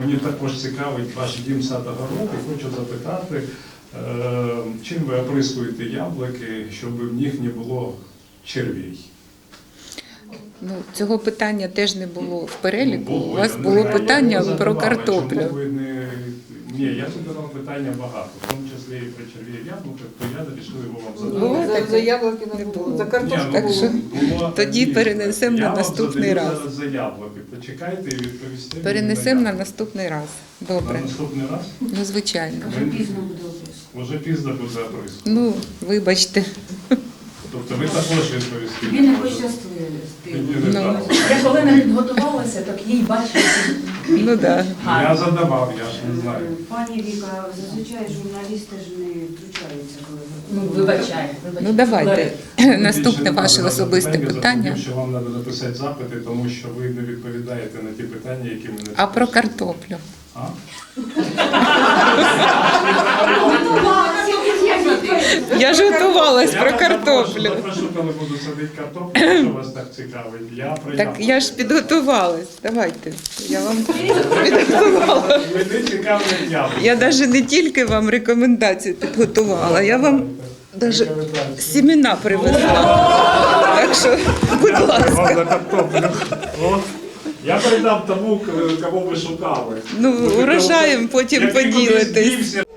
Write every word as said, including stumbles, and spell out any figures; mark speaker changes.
Speaker 1: Мені також цікавить ваш дім садогород і хочу запитати, чим ви оприскуєте яблуки, щоб в них не було червій?
Speaker 2: Ну, цього питання теж не було в переліку.
Speaker 1: Ну,
Speaker 2: У вас
Speaker 1: я не
Speaker 2: було
Speaker 1: знаю,
Speaker 2: питання
Speaker 1: я
Speaker 2: про
Speaker 1: задавав, а
Speaker 2: картоплю.
Speaker 1: чому ви не... Ні, я задавав питання багато, в тому числі і про черві яблука, то я вирішив його вам задати.
Speaker 2: Було
Speaker 3: За,
Speaker 2: таке?
Speaker 3: за яблуки не
Speaker 2: Не
Speaker 3: було.
Speaker 2: було.
Speaker 3: За картошку
Speaker 1: Ні,
Speaker 2: Так
Speaker 1: ну,
Speaker 2: що
Speaker 1: було
Speaker 2: тоді
Speaker 1: одне.
Speaker 2: перенесемо на
Speaker 1: Я вам
Speaker 2: наступний
Speaker 1: задаю
Speaker 2: раз.
Speaker 1: зараз за яблуки. Почекайте і відповісти. мені
Speaker 2: Перенесемо на
Speaker 1: яблуки.
Speaker 2: наступний раз.
Speaker 1: На
Speaker 2: Добре.
Speaker 1: наступний раз?
Speaker 2: Ну, звичайно.
Speaker 1: Ви- Уже пізно буде оприскувати.
Speaker 2: Ну, вибачте.
Speaker 1: Тобто ви також відповісти.
Speaker 4: Тобі не
Speaker 1: можете.
Speaker 4: пощастило.
Speaker 1: Мені
Speaker 2: Ну.
Speaker 1: не так.
Speaker 4: Я коли не підготувалася, так їй бачила.
Speaker 2: Ну, да.
Speaker 1: Я задавав, я ж не знаю.
Speaker 5: Пані Віка, зазвичай журналісти ж не втручаються, коли
Speaker 4: Ну, вибачай. вибачай.
Speaker 2: Ну, давайте. Наступне
Speaker 1: Більше
Speaker 2: ваше
Speaker 1: не
Speaker 2: особисте
Speaker 1: треба
Speaker 2: питання.
Speaker 1: запитів, що вам треба написати запити, тому що ви не відповідаєте на ті питання, які ми не
Speaker 2: А про
Speaker 1: записали.
Speaker 2: картоплю?
Speaker 1: А?
Speaker 2: Я ж готувалась
Speaker 1: Я
Speaker 2: про
Speaker 1: вас
Speaker 2: картоплю.
Speaker 1: Запрошу, запрошу, коли буду садити картоплю, якщо вас так цікавить. Я про
Speaker 2: Так
Speaker 1: яблуки.
Speaker 2: я ж підготувалась. Давайте. Я вам підготувала.
Speaker 1: Мене цікавлять яблуки.
Speaker 2: Я навіть не тільки вам рекомендації підготувала, я вам навіть сімена привезла. Так що, будь ласка.
Speaker 1: Вам на картоплю. От. Я передам тому, кого ви шукали.
Speaker 2: Ну, урожаєм потім
Speaker 1: Який кудись
Speaker 2: поділитесь.
Speaker 1: дівся.